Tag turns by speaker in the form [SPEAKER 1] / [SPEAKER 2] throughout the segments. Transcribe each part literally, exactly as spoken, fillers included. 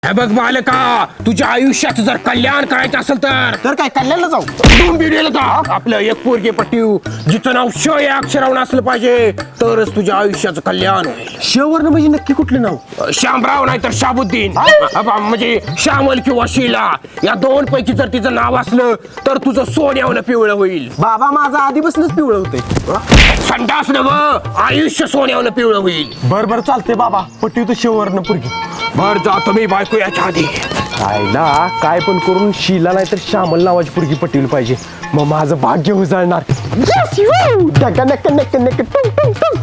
[SPEAKER 1] हे बघ बालका, तुझ्या आयुष्याचं जर कल्याण करायचं असेल तर
[SPEAKER 2] तर काय कल्याणला जाऊ
[SPEAKER 1] डोंबिवलीला जा. आपलं एक पोरगे पटीव जिचं नाव श या अक्षरावर असलं पाहिजे तरच तुझ्या आयुष्याचं कल्याण होईल.
[SPEAKER 2] शेवर्ण म्हणजे नक्की कुठलं नाव?
[SPEAKER 1] श्यामराव नाही तर शाबुद्दीन, अबा, म्हणजे श्यामल किंवा शीला या दोन पैकी जर तिचं नाव असलं तर तुझं सोन्यावलं पिवळं होईल.
[SPEAKER 2] बाबा माझं आधीपासूनच पिवळं होतंय.
[SPEAKER 1] संडास नवं आयुष्य सोन्यावलं पिवळं होईल.
[SPEAKER 2] बर बर चालते बाबा, पट्टी तू शेवर्ण पुरगी.
[SPEAKER 1] बर जातो मी बायको याच्या आधी.
[SPEAKER 2] आईला काय पण करून शीला नाही तर श्यामल नावाची पुरगी पटवली पाहिजे, मग माझं भाग्य उजळणार. Yes, you! डका, नक्का, नक्का, नक्का, टुंग, टुंग, टुंग.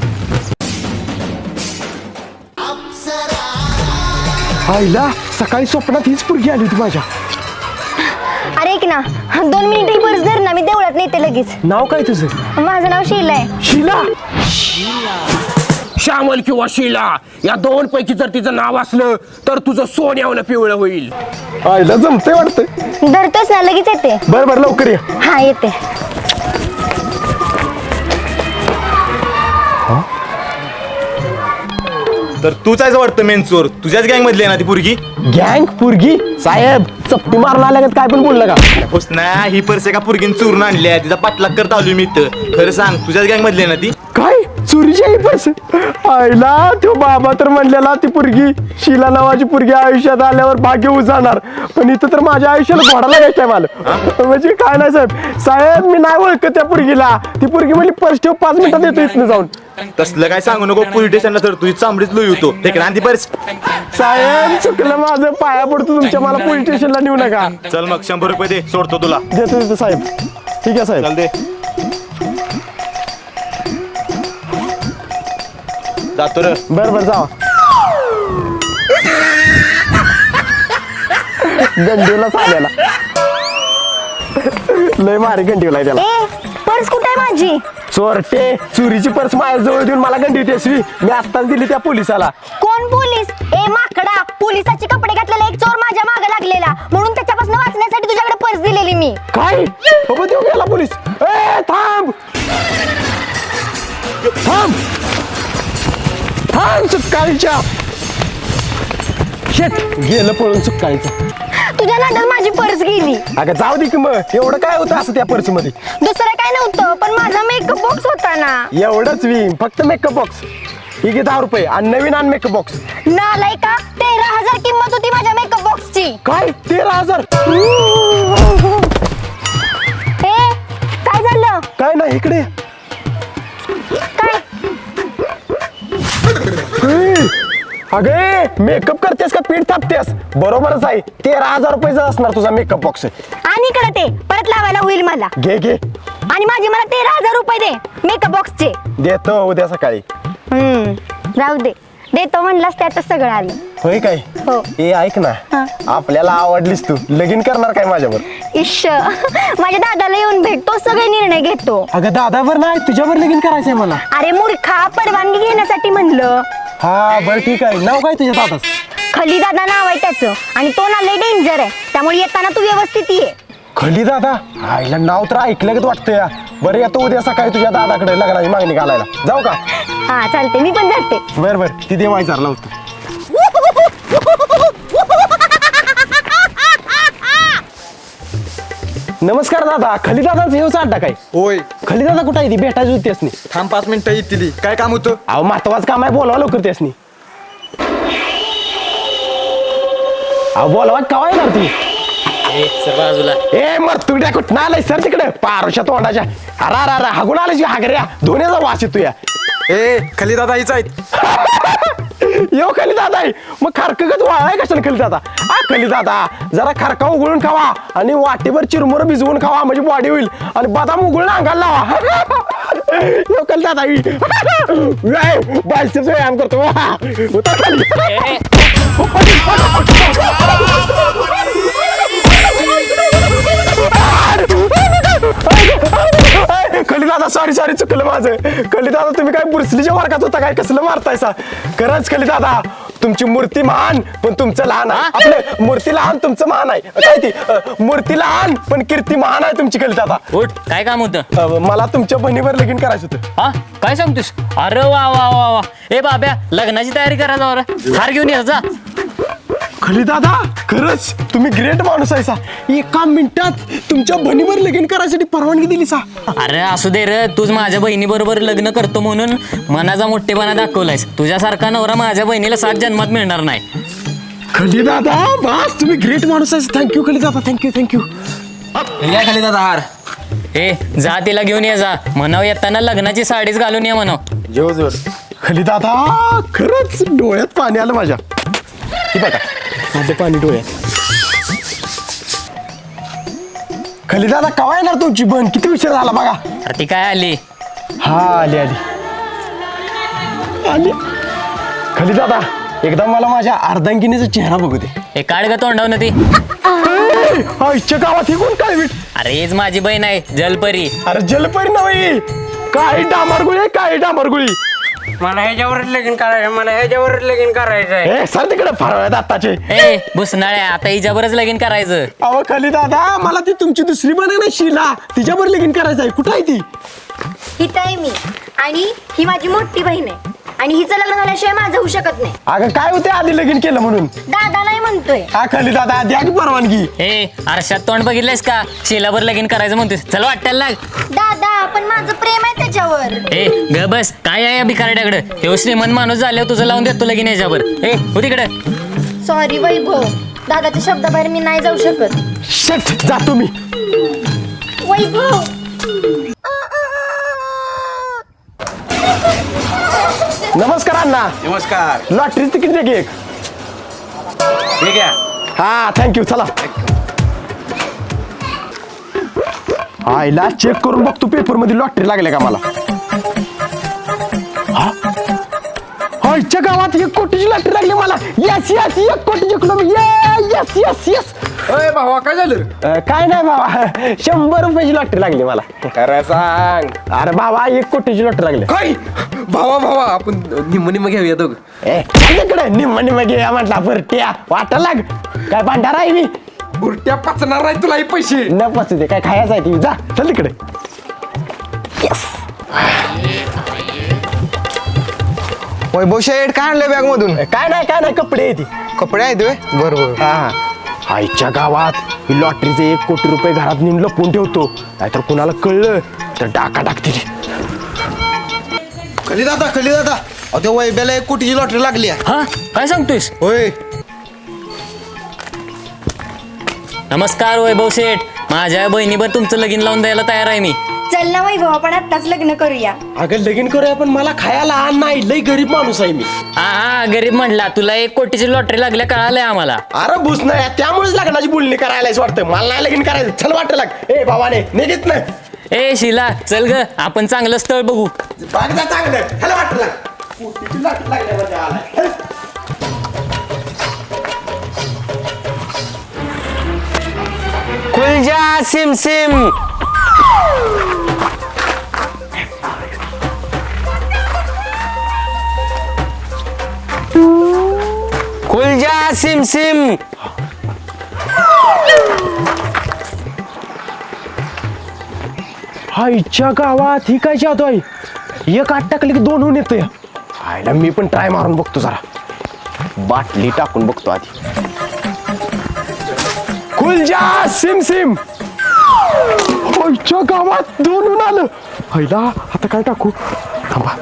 [SPEAKER 2] आईला सकाळी स्वप्नात हीच पुरगी आली होती माझ्या.
[SPEAKER 3] अरे ऐक ना, दोन मिनिट ही पर्स धर ना, मी देवळात नेते लगेच.
[SPEAKER 2] नाव काय तुझं?
[SPEAKER 3] माझं नाव शीला आहे.
[SPEAKER 2] शीला?
[SPEAKER 1] श्यामल किंवा शीला या दोन पैकी जर तिचं नाव असलं तर तुझं सोन्यावलं पिवळं होईल.
[SPEAKER 2] आईला जमतंय वाटतं.
[SPEAKER 3] धरतोच ना, लगेच येते.
[SPEAKER 2] बर बर लवकर ये.
[SPEAKER 3] हा येते.
[SPEAKER 4] तर तूच आहेस वाटतं मेन चोर. तुझ्याच गँग मधली आहे ना ती पुरगी?
[SPEAKER 2] गँग पुरगी? साहेब चपटी मारला लागत काय पण बोललं का?
[SPEAKER 4] होस ना, ही पर्स एका पुरगीन चोरून आणली आहे. तिचा पाठलाग करता आलोय मी इथं. खरं सांग, तुझ्याच गँग मधली आहे ना ती?
[SPEAKER 2] काय चोरीची आहे पर्स? आईला तो बाबा तर म्हणलेला ती पुरगी शीला नावाची पुरगी आयुष्यात आल्यावर भाग्य उजाणार, पण इथं तर माझ्या आयुष्याला घोडा लागायचा मला. म्हणजे काय नाही साहेब, साहेब मी नाही ओळखत त्या पुरगीला. ती पुरगी म्हणजे पर्स ठेव, पाच मिनिटात येतो इथनं जाऊन.
[SPEAKER 4] तसलं काय सांगू नको पोलीस स्टेशनला, तर तुझी चांबडीच लोई होतो. ठीक आहे, ती पर्स.
[SPEAKER 2] साहेब चुकलं माझं, पाया पडतो तुमच्या, मला पोलीस स्टेशनला नेऊ नका.
[SPEAKER 4] चल मग शंभर रुपये दे, सोडतो तुला.
[SPEAKER 2] देतो देतो साहेब. ठीक आहे साहेब.
[SPEAKER 4] चल दे. जातो रे.
[SPEAKER 2] बर बर जावा. गंडीला साल्याला लय मारी गंडीवला त्याला.
[SPEAKER 3] ए पर्स कुठे आहे माझी?
[SPEAKER 2] चोरटे, चोरीची पर्स माझ्या जवळ देऊन मला गंडी देसवी. मी आत्ताच दिली त्या पोलिसाला.
[SPEAKER 3] कोण पोलीस? ए माकडा, पोलिसाचे कपडे घातलेला एक चोर माझ्या मागे लागलेला, म्हणून त्याच्यापासून वाचण्यासाठी तुझ्याकडे पर्स दिलेली मी.
[SPEAKER 2] काय बाबा देऊ गेला पोलीस? ए थांब थांब थांब सुकाळीच्या. शेट गेलं पळून सुकाळीचं.
[SPEAKER 3] तुझ्या नादात माझी पर्स गेली.
[SPEAKER 2] अगं जाऊ दे की मग, एवढं काय होतं असं त्या पर्स मध्ये?
[SPEAKER 3] दुसरं काय नव्हतं, पण माझा मेकअप बॉक्स होता ना.
[SPEAKER 2] एवढंच वी फक्त मेकअप बॉक्स. ही घे दहा रुपये आणि नवीन आण मेकअप बॉक्स.
[SPEAKER 3] नालाय का, तेरा हजार किंमत होती माझ्या मेकअप बॉक्सची.
[SPEAKER 2] काय तेरा हजार?
[SPEAKER 3] ए काय झालं?
[SPEAKER 2] काय नाही इकडे.
[SPEAKER 3] काय?
[SPEAKER 2] अगे मेकअप करतेस का पीठ थापतेस? बरोबरच आहे, तेरा हजार रुपयाचा असणार तुझा मेकअप बॉक्स.
[SPEAKER 3] आणि इकडे ते परत लावायला होईल मला.
[SPEAKER 2] घे घे.
[SPEAKER 3] आणि माझे मला तेरा हजार रुपये दे मेकअप बॉक्सचे.
[SPEAKER 2] देतो उद्या सकाळी.
[SPEAKER 3] हम्म जाऊ दे, देतो म्हणलास त्यातच सगळं आलं.
[SPEAKER 2] होय काय?
[SPEAKER 3] हो.
[SPEAKER 2] ए ऐक ना,
[SPEAKER 3] हा.
[SPEAKER 2] आपल्याला आवडलीस तू, लगीन करणार काय माझ्यावर?
[SPEAKER 3] इश्श माझ्या दादाला येऊन भेट, तो सगळे निर्णय घेतो.
[SPEAKER 2] अगं दादावर नाही, तुझ्यावर लगीन करायचंय मला.
[SPEAKER 3] अरे मूर्खा, परवानगी घेण्यासाठी म्हणलं.
[SPEAKER 2] हा बरं ठीक आहे. नाव काय तुझ्या दादाच?
[SPEAKER 3] खली दादा नाव आहे त्याचं, आणि तो ना लय डेंजर आहे, त्यामुळे येताना तू व्यवस्थित ये.
[SPEAKER 2] खली दादा? आईला नाव तर ऐकलं का वाटतं या. बरं येतो उद्या सकाळी तुझ्या दादाकडे लग्नाची मागणी घालायला. जाऊ का?
[SPEAKER 3] हा चालते, मी पण जाते.
[SPEAKER 2] बर बर ती देव विचारला होतं. नमस्कार दादा, खली दादाच येऊचा अड्डा काय?
[SPEAKER 5] होय.
[SPEAKER 2] खली दादा कुठं आहे? ती भेटायची होती असनी.
[SPEAKER 5] थांब पाच मिनिटं येतील. काय काम होतं?
[SPEAKER 2] अहो महत्वाचं काम आहे, बोलवा लवकर त्यासनी. अहो बोलवा कवा येणार ती? ए मर तुड्या कुठं आलाय सर तिकडे पारुषा तोंडाच्या. अरा अरा अरा हागून आलाय हागऱ्या, दोन्हीचा वास येतो या.
[SPEAKER 5] ए खाली दादा हीच आहेत.
[SPEAKER 2] यो खली दादा आहे मग खारकगत वाळाय कशाने खली दादा? आ खली दादा जरा खारका उघडून खावा आणि वाटीभर चिरमुर भिजवून खावा, म्हणजे बॉडी होईल. आणि बदाम उघडून अंगाला लावा. यो खली दादा बायसेप्स व्यायाम करतो. उतर खाली. खली दादा सॉरी सॉरी चुकलं माझं. खली दादा तुम्ही काय बुरसलीच्या वर्गात होता काय? कसलं मारतायसा? खरंच खली दादा तुमची मूर्ती महान पण तुमचं लहान आहे. आपलं मूर्ती लहान तुमचं महान आहे. काय ती अ, मूर्ती लहान पण कीर्ती महान आहे तुमची खली दादा.
[SPEAKER 6] उठ, काय काम होतं?
[SPEAKER 2] अ, मला तुमच्या बहिणीवर लगीन करायचं होतं.
[SPEAKER 6] हा काय सांगतोस? अरे वा वा वा वा. ए बाब्या, लग्नाची तयारी करा जरा. हार घेऊन ये जा.
[SPEAKER 2] खली दादा खरंच तुम्ही ग्रेट माणूस आहे सा. एका मिनिटात तुमच्या बहिणीवर लगीन करायसाठी परवानगी दिली सा.
[SPEAKER 6] अरे असू दे रे, तूच माझ्या बहिणी बरोबर लग्न करतो म्हणून मनाचा मोठेपणा दाखवलायस. तुझ्यासारखा नवरा माझ्या बहिणीला सात जन्मात मिळणार नाही.
[SPEAKER 2] खली दादा बस तुम्ही ग्रेट माणूस आहे. थँक्यू खली दादा, थँक्यू थँक्यू.
[SPEAKER 6] खाली दादा हार. ए जा तिला घेऊन ये जा. म्हणाव येताना लग्नाची साडीच घालून ये म्हणाव.
[SPEAKER 2] जोर जोर. खली दादा खरंच डोळ्यात पाणी आलं माझ्या. हे बघा माझं पाणी डोळ्यात. खली दादा कवा येणार तुमची बहीण? किती उशीर झाला बघा.
[SPEAKER 6] अरे ती काय आली?
[SPEAKER 2] हा आली आली आली. खली दादा एकदा मला माझ्या अर्धांगिनीचा चेहरा बघू दे.
[SPEAKER 6] ए काढ ग तोंडाव ना ती.
[SPEAKER 2] आईच्या गावात ही कोण काय?
[SPEAKER 6] अरे हीच माझी बहीण आहे जलपरी.
[SPEAKER 2] अरे जलपरी नव्हे, काही डांबरगुळी आहे, काही डांबरगुळी.
[SPEAKER 1] मला ह्याच्यावरच लगीन करायचं, मला ह्याच्यावरच लगीन करायचं आहे.
[SPEAKER 2] ए सर तिकडे फरवळ्यात आताचे.
[SPEAKER 6] ए भुसनाळ्या, आता हिच्यावरच लगीन करायचं.
[SPEAKER 2] अहो खली दादा मला ती तुमची दुसरी बहीण आहे ना शीला, तिच्यावर लगीन करायचं आहे. कुठं आहे ती?
[SPEAKER 3] हिथं आहे मी आणि ही माझी मोठी बहीण आहे आणि हिचं लग्न झाल्याशिवाय माझं होऊ शकत नाही.
[SPEAKER 2] अगं काय होते आधी लगीन केलं म्हणून?
[SPEAKER 3] दादा नाही म्हणतोय.
[SPEAKER 2] हा खली दादा द्या की परवानगी.
[SPEAKER 6] ए आरशात तोंड बघितलंयस का? शिलावर लगीन करायचं म्हणतोस. चल वाटायला लाग.
[SPEAKER 3] दादा पण माझं प्रेम आहे त्याच्यावर.
[SPEAKER 6] ए ग बस, काय आहे या भिकारड्याकडे? हे श्रीमंत माणूस झाल्यावर तुझं लावून देतो लगीन याच्यावर. ए हो तिकडे.
[SPEAKER 3] सॉरी वैभव, दादाच्या शब्दाबाहेर मी नाही जाऊ शकत.
[SPEAKER 2] शट जातो मी.
[SPEAKER 3] वैभव
[SPEAKER 2] नमस्कार अण्णा.
[SPEAKER 4] नमस्कार.
[SPEAKER 2] लॉटरी तिकीट दे की एक.
[SPEAKER 4] ठीक आहे.
[SPEAKER 2] हा थँक्यू. चला आईला चेक करून बघतो पेपर मध्ये लॉटरी लागले का मला. हा? आईच्या गावात एक कोटीची लॉटरी लागली मला. यस यस एक कोटी जिंकलो मी. Yes yes yes.
[SPEAKER 1] अय भावा काय झालं?
[SPEAKER 2] काय नाही बाबा, शंभर रुपयाची लॉटरी लागली मला.
[SPEAKER 1] खरं सांग.
[SPEAKER 2] अरे बाबा एक कोटीची लॉटरी लागली.
[SPEAKER 1] काय भावा भावा आपण निम्म निम्म घेऊया दोघं.
[SPEAKER 2] ए माझ्याकडे निम्म निम्म घे म्हटला बरट्या वाटा लाग. काय भांडारा आहे मी?
[SPEAKER 1] बुरट्या पचणार नाही तुला हे पैसे.
[SPEAKER 2] न पचू दे, काय खायचं आहे ती. जा चल तिकडे.
[SPEAKER 7] वैभव शेठ काय आणलं बॅग मधून?
[SPEAKER 2] काय नाही काय नाही कपडे ती.
[SPEAKER 7] कपडे आहेत होय? बरोबर.
[SPEAKER 2] हा आईच्या गावात ही लॉटरीचे एक कोटी रुपये घरात नेऊन लपवून ठेवतो, नाहीतर कुणाला कळलं तर डाका टाकतील.
[SPEAKER 7] खली दादा खली दादा अहो त्या वैभ्याला एक कोटीची लॉटरी लागली आहे.
[SPEAKER 6] हा काय सांगतोयस?
[SPEAKER 7] होय.
[SPEAKER 6] नमस्कार वैभव शेठ, माझ्या बहिणीवर तुमचं लगीन लावून द्यायला तयार आहे मी.
[SPEAKER 3] चल ना वैभव आपण आत्ताच लग्न करूया.
[SPEAKER 2] अगं लगीन करूया पण मला खायला आण नाही, लई गरीब माणूस आहे मी.
[SPEAKER 6] हा हा गरीब म्हटला, तुला एक कोटीची लॉटरी लागल्या कळालंय आम्हाला.
[SPEAKER 2] अरे भूस नाही त्यामुळेच लग्नाची बोलणी करायलाच वाटतं. मला नाही लगीन करायचं. चल वाटतं लाग. ए भावाने निघित नाही.
[SPEAKER 6] ए शिला चल ग, आपण चांगलं स्थळ बघू.
[SPEAKER 2] बाग जा चांगलं. ह्याला वाटतं लाग. कोटीची लॉटरी लागल्यामध्ये आलाय.
[SPEAKER 7] खुलजा सिम सिम. खुलजा सिम सिम.
[SPEAKER 2] आईच्या गावात ही काय जादू आहे? एक आठ टाकली की दोन होऊन येतं. आईला मी पण ट्राय मारून बघतो जरा. बाटली टाकून बघतो आधी. खुलजा सिम सिम. आईच्या गावात दोन होऊन आलं. आईला आता काय टाकू? थांबा.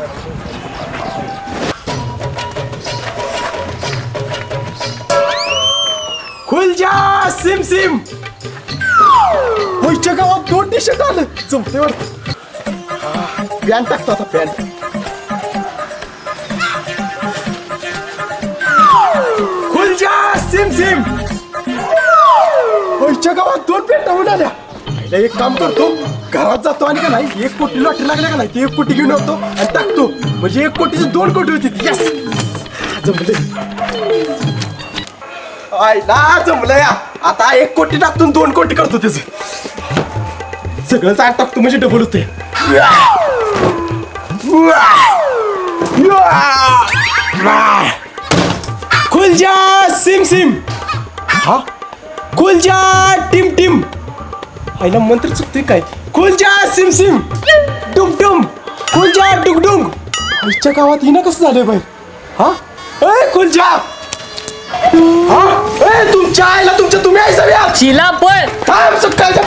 [SPEAKER 2] खुलजा सिम सिम. आईच्या गावात दोन टी शर्ट आलं. जमते वाटतं. पॅन्ट टाकतो आता पॅन्ट. खुलजा सिम सिम. आईच्या गावात दोन पॅन्ट होऊन आल्या. एक काम करतो, घरात जातो आणि का नाही एक कोटी लॉटरी लागल्या का नाही ती एक कोटी घेऊन येतो आणि टाकतो, म्हणजे एक कोटीची दोन कोटी होती. यस जमले. आईला जमलं या. आता एक कोटी टाकतून दोन कोटी करतो त्याच. सगळं चाट टाकतो म्हणजे डबल होते. खुलजा सिम सिम. हा खुलजा टिम टिम. आईला मंत्र चुकतोय काय? खुलजा सिम सिम. डुम डुम. खुलजा डुगडुंग. आईच्या गावात हिनं कसं झालंय बाई? हा ए खुलजा. हा? ए, तुमच्या आईला तुमच्या तुम्ही आई सगळ्या
[SPEAKER 6] शिला पळ
[SPEAKER 2] थांब सकाळच्या